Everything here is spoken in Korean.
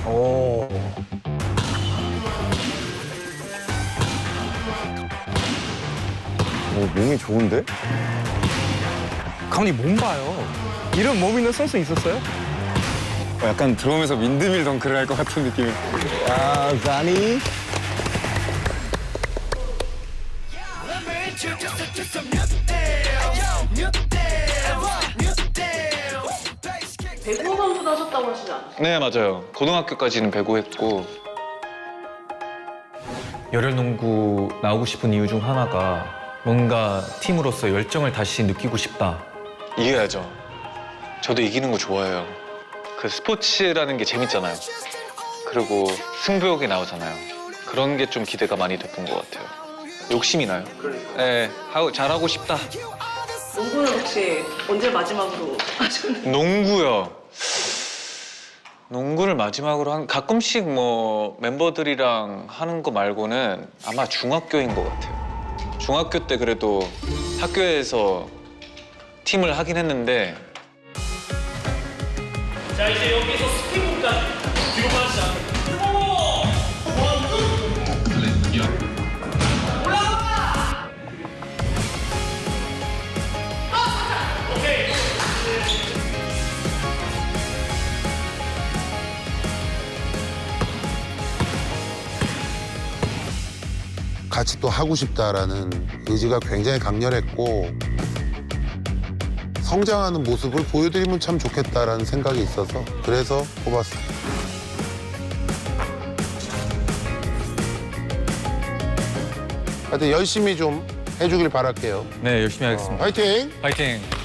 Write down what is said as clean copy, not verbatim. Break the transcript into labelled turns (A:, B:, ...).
A: 오.
B: 오, 몸이 좋은데?
A: 감독님 몸 봐요. 이런 몸 있는 선수 있었어요?
B: 약간 들어오면서 윈드밀 덩크를 할 것 같은 느낌이.
A: 아, 자니.
C: 배구 선수도 하셨다고 하시지 않으세요?
D: 네, 맞아요. 고등학교까지는 배구했고.
E: 열혈농구 나오고 싶은 이유 중 하나가 뭔가 팀으로서 열정을 다시 느끼고 싶다.
D: 이겨야죠. 저도 이기는 거 좋아해요. 그 스포츠라는 게 재밌잖아요. 그리고 승부욕이 나오잖아요. 그런 게 좀 기대가 많이 됐던 것 같아요. 욕심이 나요. 네, 잘하고 싶다.
C: 농구는 혹시 언제 마지막으로 하셨나요?
D: 농구요. 농구를 마지막으로 가끔씩 뭐 멤버들이랑 하는 거 말고는 아마 중학교인 것 같아요. 중학교 때 그래도 학교에서 팀을 하긴 했는데.
F: 자, 이제 여기서 스피드까지 뒤로 빠지지 않고
G: 같이 또 하고 싶다라는 의지가 굉장히 강렬했고 성장하는 모습을 보여드리면 참 좋겠다라는 생각이 있어서 그래서 뽑았어요. 하여튼 열심히 좀 해주길 바랄게요.
E: 네, 열심히 하겠습니다.
G: 화이팅!
E: 파이팅!